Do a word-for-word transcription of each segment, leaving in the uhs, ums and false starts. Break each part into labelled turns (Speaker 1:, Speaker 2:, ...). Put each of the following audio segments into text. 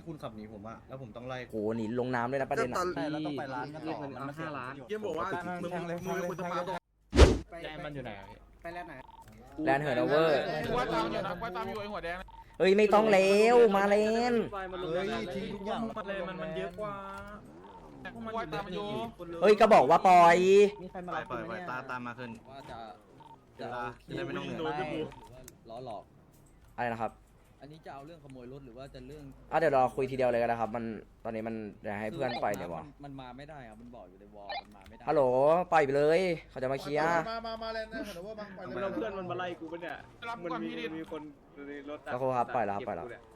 Speaker 1: คุณขับหนีผมอะแล้วผมต้องไล่
Speaker 2: โหหนีลงน้ำด้วยนะประเด็น
Speaker 3: ต
Speaker 2: อ่ะ
Speaker 3: อน
Speaker 4: ใช่แล้วต้องไปร้านกันต่อมันไม่ห้าล้าน
Speaker 3: เยี่ยมบอกว่ามึงมึงควรจะมาตรง
Speaker 5: แดงมันอยู่ไหน
Speaker 6: ไปแลนไหน
Speaker 2: แลนเหินเวอร์
Speaker 5: ว่าตามอยู่นะว่าตามอยู่ไอ้หัวแดง
Speaker 2: เฮ้ยไม่ต้องเร็วมาเล่น
Speaker 4: เฮ้ยทิ้งทุกอย่าง
Speaker 5: มันเลยมันมันเยอะกว่าว่าตามอยู่
Speaker 2: เฮ้ยก็บอกว่าปล่อย
Speaker 6: มีใครมา
Speaker 1: ไป
Speaker 6: รับ
Speaker 1: ไปไปตามตามมาขึ้น
Speaker 7: ว่าจะ
Speaker 1: จะได้ไม่ต้องเหนื่อย
Speaker 7: หรือว่าล้อหลอก
Speaker 2: อะไรนะครับ
Speaker 7: อันนี้จะเอาเรื่องขโมยรถหรือว่าจะเรื่อง
Speaker 2: อ่ะเดี๋ยวรอคุยทีเดียวเลยก็ได้ครับมันตอนนี้มันเดี๋ยวให้เพื่อนไปเนี่ยวะ
Speaker 7: มันมาไม่ได้ครับมันบอกอยู่ในวอลมันมาไม่ได้
Speaker 2: ฮัลโหลปล่อยไปเลยเขาจะมาเคลียร์
Speaker 4: มามามาแล้วนะเห็นว่ามาไปเลย
Speaker 5: เพื่อนมันมาไล่กูปะเนี่ยรับก่อนพี่ดิ
Speaker 4: มีคนในรถ
Speaker 2: แล้วครูครับปล่อยแล้วครับปล่อยแล้ว
Speaker 7: เรื่อง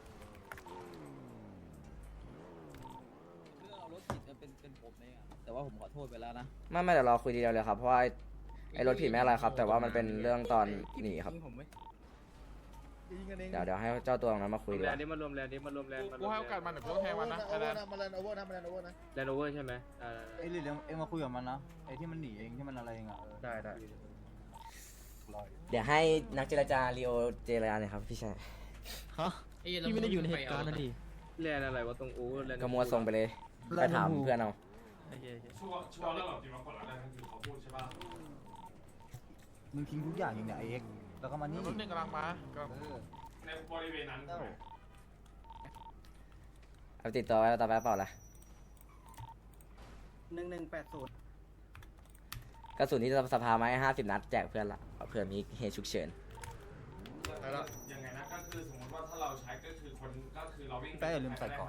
Speaker 7: เอารถผิดเป็นเป็นผมเองอะแต่ว่าผมขอโทษไปแล้วนะ
Speaker 2: ไม่ไม่เดี๋ยวรอคุยทีเดียวเลยครับเพราะว่าไอ้ไอ้รถผิดไม่อะไรครับ แต่ว่ามันเป็นเรื่องตอนหนีครับเดี๋ยวเดี๋ยวให้เจ้าตัวตรงนั้นมาคุยดีก
Speaker 8: แล
Speaker 2: ว่าน
Speaker 8: ด์นี้มารวมแลนด์นี้มารวมแลนด์
Speaker 5: กูให้โอกาสมันเดี๋ยวกูต้องแทงมันนะ
Speaker 4: โอเวอร์นะมาแลนโอเวอร์นะมาแลนโอเวอร์นะ
Speaker 8: แลนด์โอเวอร์ใช่ไหมได้
Speaker 4: ไอ้ลิลเอ็งมาคุยกับมันนะไอ้ที่มันหนีเองที่มันอะไรเองอ่ะ
Speaker 1: ได้ได้
Speaker 2: เดี๋ยวให้นักเจรจาลีโอเจรจาเลยครับพี่ชาย
Speaker 7: พี่ไม่ได้อยู่ในเหตุการณ์นะดิ
Speaker 8: แลนด์อะไรวะตรงโอเวอร์แลนด์
Speaker 2: ก็มัวส่งไปเลยไปถามเพื่อนเอา
Speaker 5: ชัวร์ชัวร์แล้วแบบที่มากดอะไรทั้งคือเขาพูดใช่ป่ะ
Speaker 4: มึงทิ้งทุกอย่างอย่างเนี้ยไอ้เอ็กแล้วก็มานี่
Speaker 5: รถหนึ่งกำลังมากำลังในบริเวณนั้น
Speaker 2: เอาติดต่อไว้แล้วต่อไปเปล่าล่ะ
Speaker 6: หนึ่งหนึ่งแปดศูนย์
Speaker 2: กระสุนที่สภามาให้ห้าสิบนัดแจกเพื่อนละเผื่อมีเหตุฉุกเฉิน
Speaker 5: ยังไงนะก็คือสมมติว่าถ้าเราใช้ก็คือคนก็คือเราวิ่ง
Speaker 4: แป้อย่าลืมใส่กล่อง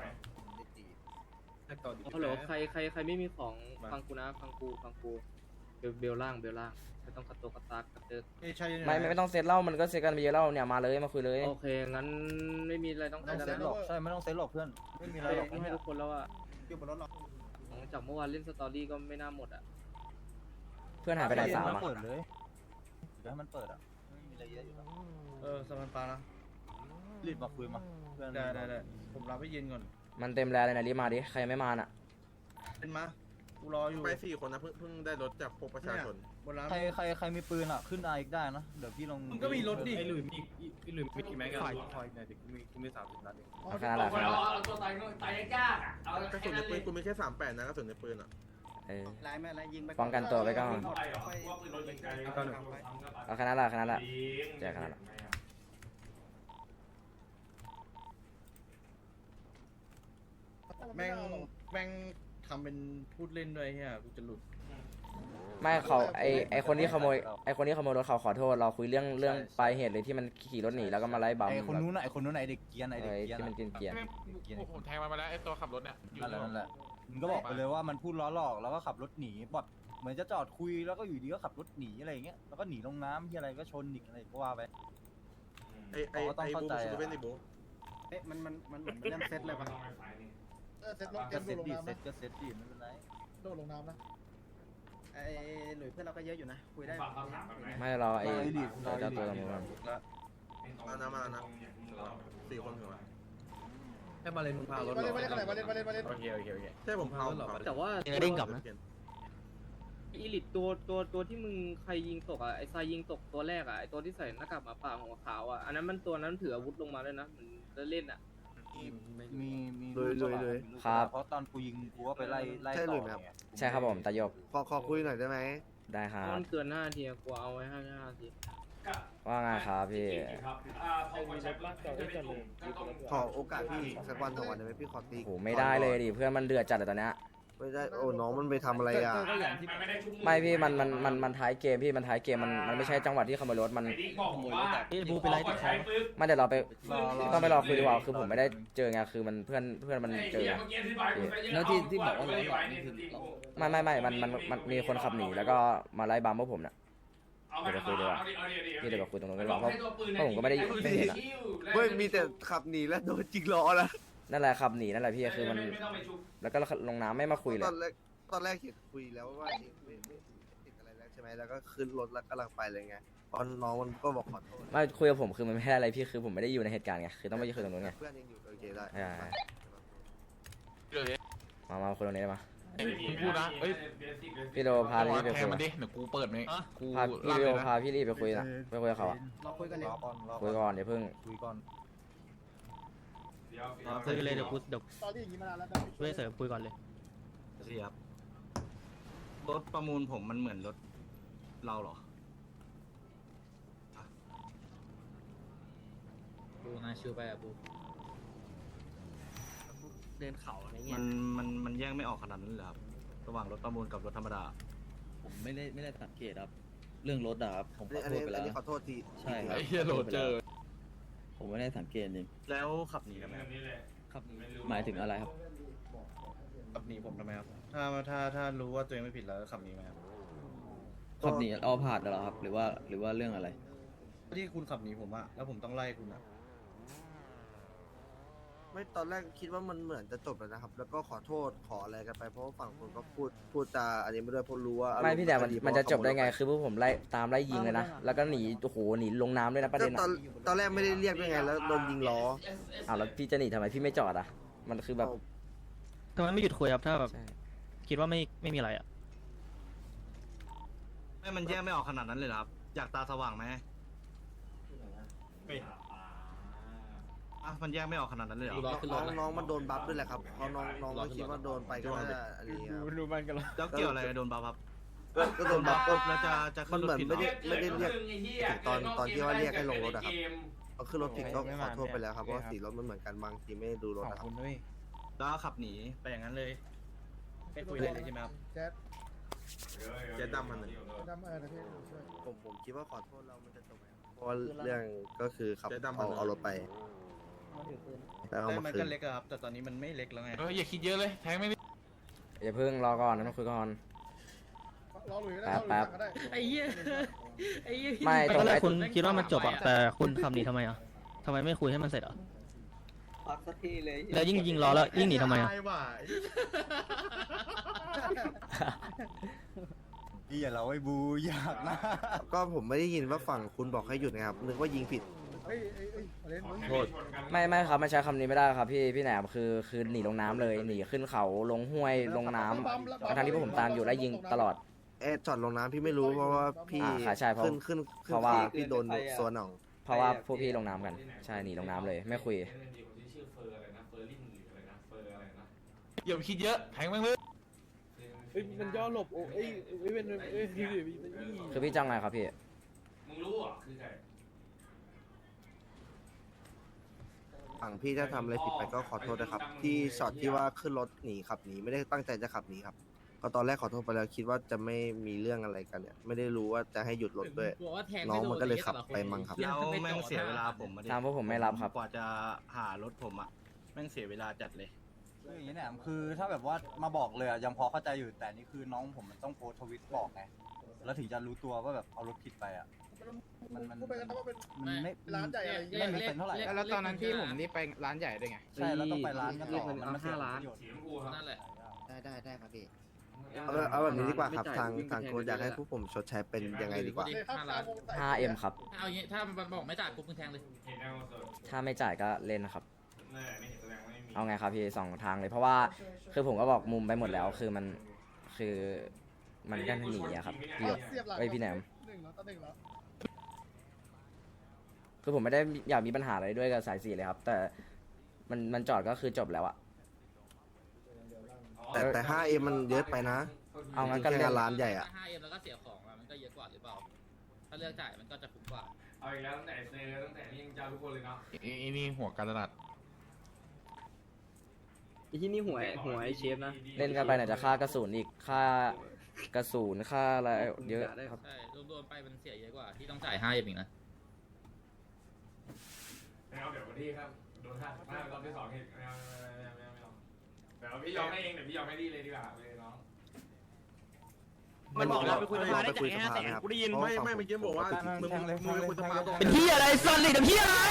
Speaker 8: ฮัลโหลใครใครใครไม่มีของฟังกูนะฟังกูฟังกูเบลเบลล่างเบลล่างไม่ต้องกระโตกกระตากกระเติก
Speaker 2: ไม่ไม่ไม่ต้องเซตเล่ามันก็เซตกันไปเยอะเล่าเนี่ยมาเลยมาคุยเลย
Speaker 8: โอเคงั้นไม่มีอะไรต้อง
Speaker 4: ไม่ต้องเซ็ตหรอกใช่ไม่ต้องเซ็ตหรอกเพื่อนไม่มีอะไรหรอก
Speaker 8: ให้ทุกคนแล้วอะ
Speaker 4: อยู่บนรถหรอก
Speaker 8: จากเมื่อวานเล่นสตอรี่ก็ไม่น่าหมดอะ
Speaker 2: เพื่อนหายไปไหนสาม
Speaker 4: มัน
Speaker 2: อ่ะ
Speaker 4: เปิดเลยเดี๋ยวให้มันเปิดอ่ะไม่มีอะไรเยอะอยู่แล้ว
Speaker 1: เออสมันปลานะ
Speaker 4: รีบมาคุยมาเพื่อน
Speaker 1: ได้ได้ได้ผมรับให้เย็นก่อน
Speaker 2: มันเต็มแล้วเลยนะรีบมาดิใครไม่มาน่ะ
Speaker 1: เป็นมากูรออยู่
Speaker 3: ไปสี่คนนะเพิ่งเพิ่งได้รถจากพวกประชาชน
Speaker 1: บนร้าน
Speaker 4: ใครใครใครมีปืนอ่ะขึ้นไออีกได้นะเดี๋ยวพี่ลง
Speaker 1: มึงก็มีรถดิ
Speaker 5: ไอ้หลุยมีไอ้หลุยมีกี่แม็กกันคอยเนี่ยกูมีกูมีสามสิบนัดเอง
Speaker 2: เอาแค่นั้นแหละแค่นั้นแหละ
Speaker 5: เอาตัวตายตายยากอ่ะเอา
Speaker 3: กระสุนในปืนกูมีแค่สามแปดนะกระสุนในปืนอ่ะ
Speaker 2: เออ
Speaker 6: ลายไม่อะไรยิงไป
Speaker 2: ป้องกันตัวไว้ก่อน
Speaker 5: ไปเหรอว่าปืนรถยิงไกลก็
Speaker 2: เอาแค่นั้นแหละแค่นั้นแหละแจกแค่นั้นแหละ
Speaker 1: แม่งแม่งทำเป็นพูดเล่นด้วยเฮียกูจะหลุด
Speaker 2: ไม่เขาไอไอคนที่ขโมยไอคนที่ขโมยรถเขาขอโทษเราคุยเรื่องเรื่องปลายเหตุเลยที่มันขี่รถหนีแล้วก็มาไล่บัม
Speaker 4: ไอคนนู้นน่ะไอคนนู้นไหนเด็กเกียร์ไหน
Speaker 2: เอ
Speaker 4: เด็ก
Speaker 2: อ
Speaker 4: เกียร์
Speaker 2: ที่มันเกลียนเกลียน
Speaker 5: ผมแทงมันมาแล้วไอ้ตัวขับรถเนี่ยอยู่
Speaker 4: นั่นแหละนั่นแหละมึงก็บอกไปเลยว่ามันพูดล้อหลอกแล้วก็ขับรถหนีบอดเหมือนจะจอดคุยแล้วก็อยู่ดีก็ขับรถหนีอะไรอย่างเงี้ยแล้วก็หนีลงน้ำที่อะไรก็ชนอีกอะไรก็ว่าไป
Speaker 3: ไอไอไอบูซูเป็นไอบู
Speaker 6: เอ๊ะมันมันมันเหมือนเริ่มเซตเลยป่ะ
Speaker 4: เซ็ตรถก็เซ็ตดีเซ็ตก็เซ็ตดีไม่เป็นไรโดดลงน้ำนะ
Speaker 6: ไอ้หลุยเพื่อนเราก็เยอะอยู่นะคุยได้
Speaker 2: ไม่เราไอเจ้าตัวตรงนู้น
Speaker 3: มานะมานะสี่คนถึงไหม
Speaker 1: ให้มาเลยมึงพารถ
Speaker 4: มาเล่นมาเล่นกันไหนมาเล่นมาเล่นมาเล่น
Speaker 1: โอเคโอเคโอเค
Speaker 3: ใช่ผมเผา
Speaker 8: แต่ว่า
Speaker 3: เด้งกลับนะ
Speaker 8: อีลิตตัวตัวตัวที่มึงใครยิงตกอะไอ้ทรายยิงตกตัวแรกอะไอ้ตัวที่ใส่หน้ากากหมาป่าหัวขาวอะอันนั้นมันตัวนั้นถืออาวุธลงมาด้วยนะมันเล่นอะ
Speaker 4: มีมี
Speaker 3: เลยเลยเลย
Speaker 4: เพราะตอนกูยิงกูก็ไปไล่ไล่ต่อ
Speaker 2: ใช่ครับผมตายบ
Speaker 3: ขอขอคุยหน่อยได้ไหม
Speaker 2: ได้ครั
Speaker 8: เพ
Speaker 2: บ
Speaker 8: ราะมันเกินห้านาทีอะกูเอาไว้ห้านาที
Speaker 2: ว่าไงครับพี่
Speaker 3: ขอโอกาสพี่สักวันสองวันได้ไหมพี่ขอตี
Speaker 2: โหไม่ได้เลยดิเพื่อนมันเดือดจัดเลยตอนเนี้ย
Speaker 3: ไม่ได้โอ้น้องมันไปทำอะไรอ่ะ
Speaker 2: ไม่พี่มันมันมันมันท้ายเกมพี่มันท้ายเกมมันมันไม่ใช่จังหวะที่ขโมยรถมัน
Speaker 5: พี่บูไปไล่ติดคอ
Speaker 2: ไม่เดี๋ยวเราไปต้องไปรอคุยดีกว่าคือผมไม่ได้เจอไงคือมันเพื่อนเพื่อนมันเจอ
Speaker 7: แล้วที่ที่บอกว่าล้อหลอกนี่คือเรา
Speaker 2: ไม่ไม่ไม่มันมันมันมีคนขับหนีแล้วก็มาไล่บัมพวกผมเนี่ยเดี๋ยวไปคุยดีกว่าพี่เดี๋ยวไปคุยตรงนู้นกันดีกว่าเพราะเพราะผมก็ไม่ได้ไม่เห็นอะ
Speaker 3: เฮ้ยมีแต่ขับหนีแล้วโดนจิกล้อแล้ว
Speaker 2: นั่นแหละขับหนีนั่นแหละพี่คือมันแล้วก็ลงน้ำไม่มาคุยเลย
Speaker 3: ตอนแรกตอนแรกเห็นคุยแล้วว่าไม่ไม่ติดอะไรแล้วใช่ไหมแล้วก็ขึ้นรถแล้วกำลังไปเลยไงตอนน้องมันก็บอกขอโทษ
Speaker 2: ไม่คุยกับผมคือมันไม่ได้อะไรพี่คือผมไม่ได้อยู่ในเหตุการณ์ไงคือต้องไปคุยตรงนู้นไง
Speaker 3: เพื่อนยังอยู่โอเคได้
Speaker 2: มามาคุยตรงนี้ได้มา
Speaker 5: พูดนะเอ้ย
Speaker 2: พี่โดพาพี่ไป
Speaker 5: แท
Speaker 2: คุ
Speaker 5: ง
Speaker 2: ย
Speaker 5: มันดิเดี๋ยวกูเปิดไหมกู
Speaker 2: พาพี่โดพาพี่รีบไปคุยนะไปคุยกับเขาอะ
Speaker 6: เราคุยกันเลย
Speaker 4: รอก่อนรอ
Speaker 2: คุยก่อนเดี๋ยวเพิ่ง
Speaker 4: คุยก่อน
Speaker 2: พ
Speaker 5: ดี๋ยว
Speaker 4: ครับ
Speaker 7: คุยกันเลยเดี๋ยวกูเดี๋ยว
Speaker 6: ตอนที่อย่างนี้มานานแล้ว
Speaker 7: กูจะเสริมคุยก่อนเลย
Speaker 4: เสียบรถประมูลผมมันเหมือนรถเราเหรอ
Speaker 7: กูน่าชิวไปอะกู
Speaker 6: เดินเขาอะไร
Speaker 4: มั
Speaker 6: เงี้ย
Speaker 4: นมันมันแยกไม่ออกขนาดนั้นเลยเหรอครับระหว่างรถประมูลกับรถธรรมดา
Speaker 7: ผมไม่ได้ไม่ได้สังเกตครับ เรื่องรถอะครับผมขอ
Speaker 3: อัน
Speaker 7: โทษ
Speaker 3: นี้
Speaker 7: ไป
Speaker 3: อั
Speaker 7: แล้
Speaker 3: น
Speaker 7: ว
Speaker 3: นี้ขอโทษที
Speaker 7: ใช่ค
Speaker 3: ที
Speaker 7: รับ
Speaker 3: ที
Speaker 7: เฮียโรเจอร์ผมไม่ได้สังเกตจริง
Speaker 4: แล้วขับหนีกันไหม
Speaker 5: นี่แหละ
Speaker 7: ครับหมายถึงอะไรครับ
Speaker 1: ขับหนีผมทำไมครับถ้าถ้าถ้ารู้ว่าตัวเองไม่ผิดแล้วขับหนีไหมครับ
Speaker 7: ขับหนีเอาผ่านเหรอครับ หรือว่าหรือว่าเรื่องอะไร
Speaker 1: ที่คุณขับหนีผมอะแล้วผมต้องไล่คุณอะ
Speaker 3: ไม่ตอนแรกคิดว่ามันเหมือนจะจบแล้วนะครับ แล้วก็ขอโทษขออะไรกันไปเพราะว่าฝั่งคนก็พูดพูดจาอันนี้ไม่ด้วยเพราะรู้ว่า
Speaker 2: ไม่พี่แต่มัน
Speaker 3: อารณ์
Speaker 2: มันจะจบได้ไง
Speaker 3: เพราว่า
Speaker 2: คือพวกผมไล่ตามไล่ยิงเลยนะ แล้วก็หนีโอ้โหหนีลงน้ำด้วยนะประ
Speaker 3: ก็
Speaker 2: เด็น
Speaker 3: ตอ
Speaker 2: อะ
Speaker 3: นตอนแรกไม่ได้เรียกด้วยไงแล้วโดนยิงล้อ
Speaker 2: อ้าวแล้วพี่จะหนีทำไมพี่ไม่จอดอะมันคือแบบ
Speaker 7: ทำไมไม่หยุดคุยครับถ้าแบบ
Speaker 2: ใช่
Speaker 7: คิดว่าไม่ไม่มีอะไรอะ
Speaker 4: ไม่มันแยกไม่ออกขนาดนั้นเลยเหรอครับอยากตาสว่างไหมอ่ะมันแยกไม่ออกขนาดนั้นเลยเหรอ
Speaker 3: น้องน้องมันโดนบัฟด้วยแหละครับเพราะน้องน้องก็คิดว่าโดนไปก็น่าจะอันนี้ครับ
Speaker 4: แล้วเกี่ยวอะไรกับโดนบัฟครับ
Speaker 3: ก็ก็โดนบัฟก็
Speaker 4: แล้วจะจะ
Speaker 3: มันเหมือน
Speaker 4: ขึ้รถ
Speaker 3: ไม่ได้
Speaker 4: ผิ
Speaker 3: ไม่ได้เรียก ถึงตอนตอนที่ว่าเรียกให้ลงรถอะครับ เอาขึ้นรถผิดก็ขอโทษไปแล้วครับเพราะว่าสีรถมันเหมือนกันบางทีไม่ได้ดูรถนะครับ
Speaker 4: แล้วขับหนีไปอย่างนั้นเลย
Speaker 1: ไม่คุยเลยใช่ไหมครับ
Speaker 6: แจ๊ด
Speaker 5: เจ๊ดำมัน
Speaker 6: ดำเออนะพี่ช่วย
Speaker 3: ผมผมคิดว่าขอโทษเรามันจะจบไหมครับเพราะว่าเรื่องก็คือขับเอาเอารถไปแล้วเอา
Speaker 1: แต่
Speaker 3: มา
Speaker 1: มัน
Speaker 3: คื
Speaker 1: ก็
Speaker 3: น
Speaker 1: เล็กอะครับ แต่ตอนนี้มันไม่เล็กแล้วไง
Speaker 5: เอออย่าคิดเยอะเลยแทงไม่ได้
Speaker 2: อย่าเพิ่งรอก่อนนะต้องคุยก่อน
Speaker 6: รอหลุยก็ได้รอหลุย
Speaker 2: แป๊บ
Speaker 6: ก็ได้
Speaker 7: ไอ้เหี้ยไอ้เหี้ย
Speaker 2: ไม่ต
Speaker 7: ต
Speaker 2: ร
Speaker 7: อง นแร
Speaker 2: ไอ้
Speaker 7: กคุณคิดว่ามันจบอะแต่คุณขับหนีทำไมอะทำไมไม่คุยให้มันเสร็จอะแล้วยิ่งยิงล้อแล้วยิ่งหนีทำไมอะ
Speaker 4: พี่อย่าเราไอ้บูอยากนะ
Speaker 3: ก็ผมไม่ได้ยินว่าฝั่งคุณบอกให้หยุดนะครับนึกว่ายิงผิด
Speaker 6: เฮ้ยเฮ้ยเฮ้ยเอาเล่นมึง
Speaker 1: โทษ
Speaker 2: ไม่ไม่ครับมันใช้คำนี้ไม่ได้ครับพี่พี่แหนมคือคือหนีลงน้ำเลยหนีขึ้นเขาลงห้วยลงน้ำทั้งที่พวกผมตามอยู่ไล่ยิงตลอด
Speaker 3: เอ๊ะจอดลงน้ำพี่ไม่รู้เพราะว่าพี่
Speaker 2: อ่าค่ะใช่เพราะ
Speaker 3: ขึ้นขึ้นขึ้น
Speaker 2: เพราะว่า
Speaker 3: ขี่พี่โดนสวนหนอง
Speaker 2: เพราะว่าพวกพี่ลงน้ำกันใช่หนีลงน้ำเลยไม่คุย
Speaker 5: ชื่อเฟอร์อะไรนะเฟอร์ลิงหรืออะไรนะเฟอร์อะไรนะ
Speaker 9: อย่าไปคิดเยอะแทงแม่งเลย
Speaker 5: เฮ้ยมันย่อหลบโอ้เอ้ย
Speaker 2: คือพี่จ้างไงครับพี่
Speaker 5: มึงรู้อ่ะคือใคร
Speaker 3: ฝั่งพี่ถ้าทำอะไรผิดไปก็ขอโทษนะครับ ที่ช็อตที่ว่าขึ้นรถหนีขับหนีไม่ได้ตั้งใจจะขับหนีครับก็ตอนแรกขอโทษไปแล้วคิดว่าจะไม่มีเรื่องอะไรกันเนี่ยไม่ได้รู้ว่าจะให้หยุดรถด้วย น้องมันก็เลยขับไปมั้งครับ
Speaker 4: แล้วแม่งเสียเวลาผมอะดิ
Speaker 2: ตามพวกผมไม่รับครับ
Speaker 4: กว่าจะหารถผมอะแม่งเสียเวลาจัดเลยคืออย่างนี้เนี่ยคือถ้าแบบว่ามาบอกเลยอะยังพอเข้าใจอยู่แต่นี่คือน้องผมมันต้องโพสต์ทวิตบอกไงแล้วถึงจะรู้ตัวว่าแบบเอารถผิดไปอะมันมัน
Speaker 6: พูดไปกันนะว่าเป็น
Speaker 4: มันไม่
Speaker 6: ร้านใหญ่อะไรอย่างเงี้ย
Speaker 4: ไม่มีเซนเท่าไหร่
Speaker 9: แล้วตอนนั้นที่ผมนี่ไปร้านใหญ่ด้วยไง
Speaker 4: ใช่แล้วต้องไปร้านกันต่อ
Speaker 8: เรียกมัน
Speaker 4: มันเสีย
Speaker 8: เอาห้าล้าน
Speaker 4: ประโยชน์
Speaker 5: สีชมพูครับ
Speaker 7: นั่นแหละ
Speaker 6: ได้ได้ได้ครับพี่
Speaker 3: เอาเอาแบบนี้ดีกว่าครับ
Speaker 8: ไม่จ่ย
Speaker 3: ทาง
Speaker 8: วิ่ไป
Speaker 3: ทาง
Speaker 8: แท
Speaker 3: คุณอยากให้
Speaker 8: เล
Speaker 3: พวกผมชดใช้เป็นยังไงดีกว่า
Speaker 2: ห้าเอ็มครับ
Speaker 7: เอาอย่างงี้ถ้ามันบอกไม่จ่ายปุ๊บมึงแทงเลย
Speaker 5: เห็นแนวมาเสิร์ฟ
Speaker 2: ถ้าไม่จ่ายก็เล่นนะครับ
Speaker 5: แน่ไม่เห็นแสดงว่าไม่มี
Speaker 2: เอาไงครับพี่สองทางเลยเพราะว่าคือผมก็บอกมุมไปหมดแล้วคือมันคือมันก็หนีอะครับพี่หยก
Speaker 6: เสียบหลัง
Speaker 2: เอ้ยพี่แหนม
Speaker 6: หนึ่งแล้วต่อหนึ่งแล้ว
Speaker 2: คือผมไม่ได้อยากมีปัญหาอะไรด้วยกับสายสี่เลยครับ แต่มันมันจอดก็คือจบแล้วอะ
Speaker 3: แต่แต่ ห้าเอ็ม มันเยอะไปนะ
Speaker 2: เอางั้นก็
Speaker 3: แค่
Speaker 2: เล่น
Speaker 3: งานร้านใหญ่อะ
Speaker 7: ห้าเอ็มแล้วก็เสียของอะมันก็เยอะกว่าหรือเปล่า ถ้าเลือกจ่ายมันก็จะคุ้มกว่า
Speaker 5: เอาอีกแล้วตั้งแต่เซอร์ตั้งแต่นี่ยังเจ้าทุกคนเลยเนาะ
Speaker 9: ไอ้นี่หัวการตลาด
Speaker 8: ไอ้ที่นี่หวยหวยไอ้เชฟนะ
Speaker 2: เล่นกันไปไหนจะค่ากระสุนอีกค่ากระสุนค่าอะไรเยอะครับ
Speaker 7: ใช่รวมๆไปมันเสียเยอะกว่าที่ต้องจ่ายห้าเอ็มอีกนะ
Speaker 5: ไม่เอาเดี๋ยววันที่ครับโดนห้าสิบห้ารอบที่สองเห็นไม่เอาไม่เอาไม่เอาไม่เอาเดี๋ยวพี่ยอมให้เองเดี๋ยวพี่ยอมให้ดีเลยดีกว่าเลยน้อง
Speaker 3: มันบอกเราไปคุยสภาได้จ่ายห้าแสนกูได้ยินไม่ไม่เมื่อกี้บอกว่า
Speaker 4: มึงมึงมึงไปคุยสภา
Speaker 7: เป็นที่อะไรสันเลยเป็นที่อะไร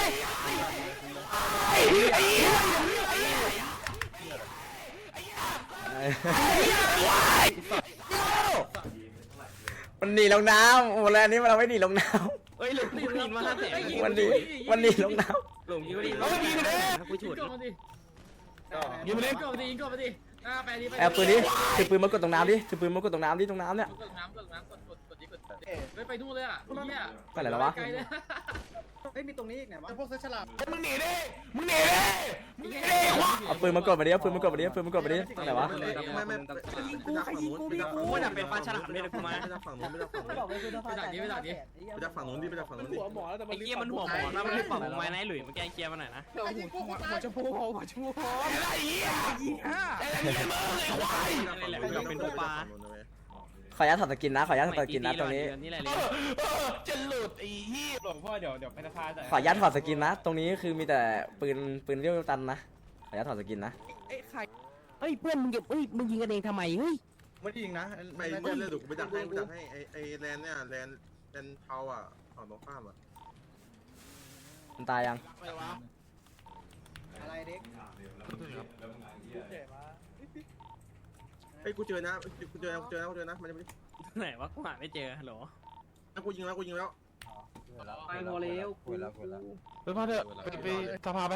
Speaker 2: มันหนีลงน้ำโอ้แล้วอันนี้มันเราไม่หนีลงน้
Speaker 8: เอ้ยหลงยิงมาห้าแสน
Speaker 2: ำมันหนีมันหนีลงน้
Speaker 8: หลงยิงมาดิ
Speaker 7: เอาไปยิงมาดิ
Speaker 8: กูฉุด
Speaker 7: ยิงก่อนมาดิยิงมาดิยิงก่อนมาดิยิงก่อนมาดิอ่าไปดิไป
Speaker 2: ำแอบปืนดิถือปืนมากดตรงน้ำดิถือปืนมากดตรงน้ำดิตรงน้ำเนี่ย
Speaker 7: กดน้ำกดน้ำกดกดกดดิกด
Speaker 8: ไม่ไปนู่นเลยอ่ะเหี้ย
Speaker 2: ไปไหนแล้ววะ
Speaker 8: ไกลเลย
Speaker 6: เฮ้ยมีตรงนี้อีกไหนวะ
Speaker 1: พวกเซฉลาด
Speaker 9: มึงหนีดิมึงหนีดิมึงหนีดิวะ
Speaker 2: เอาปืนมากดมาดิเอาปืนมากดมาดิเอาปืนมากดมาดิตรงไหนวะ
Speaker 3: ไม่ไม่ยิงกูใครยิงกูพี่กู
Speaker 8: ว่าจะเป็นปลาฉลามเลยนะกูมา
Speaker 3: ไม่จากฝั่งนู้นไม่จากฝั่งนู้น
Speaker 8: ไปดักนี้ไปดักนี้
Speaker 3: ไม่จากฝั่งนู้นดิไม่จากฝั่งนู้นดิ
Speaker 8: ไอ้เกียมันหัวหมอนะมันรีบปรับไม้นะหลุยมันแกเคลียร์มาหน่อยนะ
Speaker 9: หัวชมพูหัวชมพูไอ้เหี้ยไอ้เหี้ยมึงไอ้ควาย
Speaker 8: นี่แหละมันเป็นตัวปลา
Speaker 2: ขออนุญาตถอดสกินนะขออนุญาตถอดสกินนะตรงนี้
Speaker 8: นี่แหละ
Speaker 9: เออเออจะหลุดไอ้เหี้ยหลวงพ่อเดี๋ยวเดี๋ยวไปสภาแต่
Speaker 2: ขออนุญาตถอดสกินนะ ตรงนี้คือมีแต่ปืนปืนเรียวตันนะขออนุญาตถอดสกินนะ
Speaker 7: เฮ้ยเพื่อนมึงเก็บเฮ้ยมึงยิงกันเองทำไมเฮ้ย
Speaker 1: ไม่ได้ยิงนะ
Speaker 3: ไม่ไม่เลือดดูกูไปดักให้กูดักให้ไอไอแลนเนี่ยแลนแลนเทาอ่ะฝั่งตรงข้ามอ่ะ
Speaker 2: มันตายยัง
Speaker 6: อะไรเด็ก
Speaker 3: ไอ้กูเจอนะกูเจอนะกูเจอนะกูเจอนะมันจะไม่
Speaker 8: ไหนวะกูหาไม่เจอฮัลโหล
Speaker 3: แล้วกูยิงแล้วกูยิงแล้ว
Speaker 8: ไปพอแล้ว
Speaker 4: คุยแล้วคุยแล้ว
Speaker 9: ไปพาเถอะไปไปสภาไป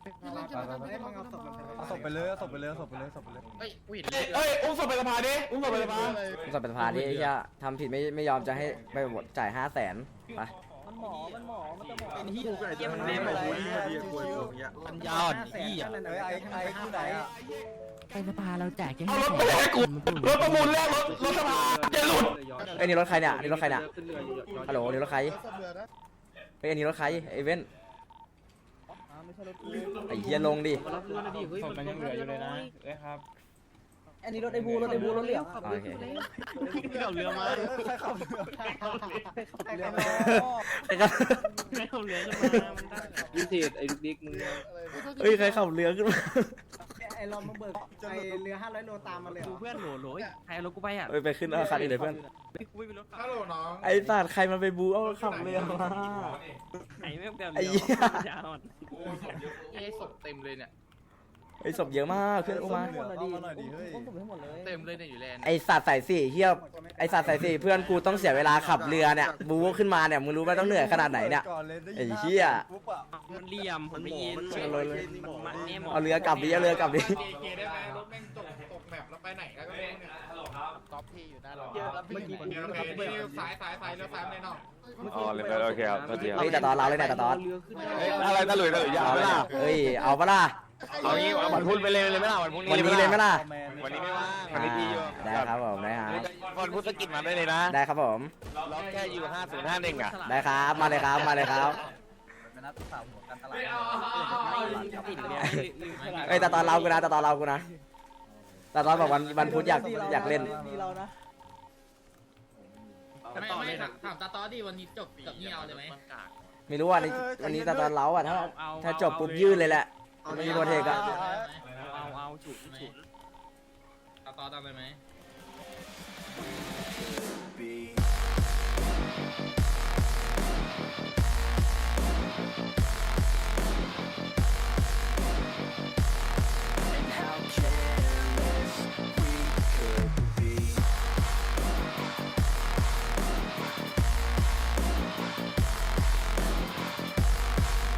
Speaker 4: เอาศพไปเลยเอาศพไปเลยเอาศพไปเลยเอาศพไปเลย
Speaker 9: เอ้ยเอ้ยอุ้มศพไปสภาดิอุ้มศพไปสภา
Speaker 2: คุณสับเป็นพาดิไอ้เหี้ยทำผิดไม่ไม่ยอมจะให้ไปหมดจ่ายห้าแสนไป
Speaker 6: มันหมอมันหมอมันจะหมอ
Speaker 8: เป็นที่
Speaker 3: กูไอ้เจ้ามันไม่ไปกูยิงมาดีกูยิงอย่างเงี้ย
Speaker 7: ปัญญาอ่อนอี้อ่ะ
Speaker 4: เฮ้ยไอ้ไอ้ที่ไหนอ่ะ
Speaker 7: ไอ้สภาเราแจกแค่
Speaker 9: เอารถไปให้กูรถประมูลแรกรถรถสภาจะหลุด
Speaker 2: เอ้ยนี่รถใครเนี่ยนี่รถใครเนี่ย
Speaker 8: ขึ้นเรือ
Speaker 2: ฮัลโหลนี่รถใครเฮ้ยอันนี้รถใครไอ้เว้นไอ้เหี้ยลงดิ
Speaker 8: มารับเรือนะดิเฮ้ย
Speaker 9: มันยังเหลืออยู่เลยนะเอ้ยครับ
Speaker 6: อันนี้รถไอ้บูรถไอ้บูรถเหลือง
Speaker 2: โอเค
Speaker 8: ขับเรือมา
Speaker 4: ใครขับเรือ
Speaker 6: ใครขับ
Speaker 2: ใครขับ
Speaker 8: ไม่ขับเรือขึ้นมามันได้วิเศษไอ้ลูกดิ๊กมึง
Speaker 2: เฮ้ยใครขับเรือขึ้นมา
Speaker 6: ไอ้เรามาเบิกไอ้เรือห้าร้อยโลตามมาเลย
Speaker 8: ดูเพื่อนโหลโหลใครเอารถกูไปอ่ะ
Speaker 2: เฮ้ยไปขึ้นเอาคันอีกเลยเพื่อน
Speaker 8: กูไม่มีรถ
Speaker 5: ฮัลโหลน้อง
Speaker 2: ไอ้สัตว์ใครมาไปบูเอาขับเรือมา
Speaker 8: ไอ้แม่งแบบ
Speaker 2: ไอ้เหี้ย
Speaker 8: ยาวอ่ะ
Speaker 5: โอ้ศพเยอะ
Speaker 9: เอ้ศพเต็มเลยเนี่ย
Speaker 2: ไอ้ศพเยอะมากขึ้นอุ้มมา
Speaker 4: เหลือเข้ามาหน่อยดิเฮ้ย
Speaker 6: ผมให้หมดเลย
Speaker 9: เต็มเลยเนี่ยอยู่แลนด์
Speaker 2: ไอ้สัตว์ใส่สี่เฮียไอ้สัตว์ใส่สี่เพื่อนกูต้องเสียเวลาขับเรือเนี่ยบูขึ้นมาเนี่ยมึงรู้ไหมต้องเหนื่อยขนาดไหนเนี่ย
Speaker 4: ก่อนเลยได้
Speaker 2: ไอ้
Speaker 4: ยิน
Speaker 2: เหี้ย
Speaker 4: ปุ๊บอะ
Speaker 8: มันเหลี่ยมมันไม่ยิน
Speaker 2: เอาเลยเลย
Speaker 8: มันเนี่ยหมด
Speaker 2: เอาเรือกลับดิเอาเรือกลับดิ
Speaker 9: เกได้ไหมรถแม่งตกตกแมปแล้วไปไหนแล้วก็ไม่รู้เนี่ย
Speaker 5: ฮัลโหลครับ
Speaker 9: ก๊อปพี่อยู่หน้าเรา
Speaker 5: เมื่อกี้คนเดียวโอเคนี่ซ้ายซ้ายซ้ายแล้วซ้ายเลยน้อง
Speaker 10: อ๋อเลยโอเคครับโอเคครับ
Speaker 2: เฮ้ยแต่ตอนเราเลยเนี่ยแต่ตอน
Speaker 8: เรือขึ้น
Speaker 10: เฮ้ยอะไรตะหลุยตะหลุยยาว
Speaker 2: เอา
Speaker 10: เล
Speaker 2: ปะ
Speaker 10: ย
Speaker 2: ล่ะเฮ้ยเอาปะล่ะ
Speaker 10: เอางี้วันพุธไปเลยเลยไหมล่ะวันพุธ
Speaker 2: วันนี้เลยไหมล่ะ
Speaker 10: วันนี้ไม่ว่างวันนี้พี่อยู่
Speaker 2: ได้ครับผมได้ครับ
Speaker 10: วันพุธสกิดมาได้เลยนะ
Speaker 2: ได้ครับผม
Speaker 10: ล็อกแค่อยู่ห้าศูนย์ห้าเด้งอ่ะ
Speaker 2: ได้ครับมาเลยครับมาเลยครับ
Speaker 4: เป็นนัดสาวหัวการตลาด
Speaker 5: เฮ้ยเอาเอาเอาเอา
Speaker 8: ติดเรือ
Speaker 2: เฮ้ยแต่ตอนเรากูนะแต่ตอนเรากูนะแต่ตอนบอกวันวันพุธอยากอยากเล่น
Speaker 6: ดีเรานะ
Speaker 8: ไม่ไม่ถาม
Speaker 7: ถามตาตอดีวันนี้จบกับนี่เอาเลยไหม
Speaker 2: ไม่รู้ว่านี่วันนี้แต่ตอนเราอ่ะถ้าถ้าจบปุ๊บยื่นเลยแหละไม่มีโปรเทคอะ
Speaker 8: เอาเอาฉุดฉุด
Speaker 7: ตาตอตามเลยไหม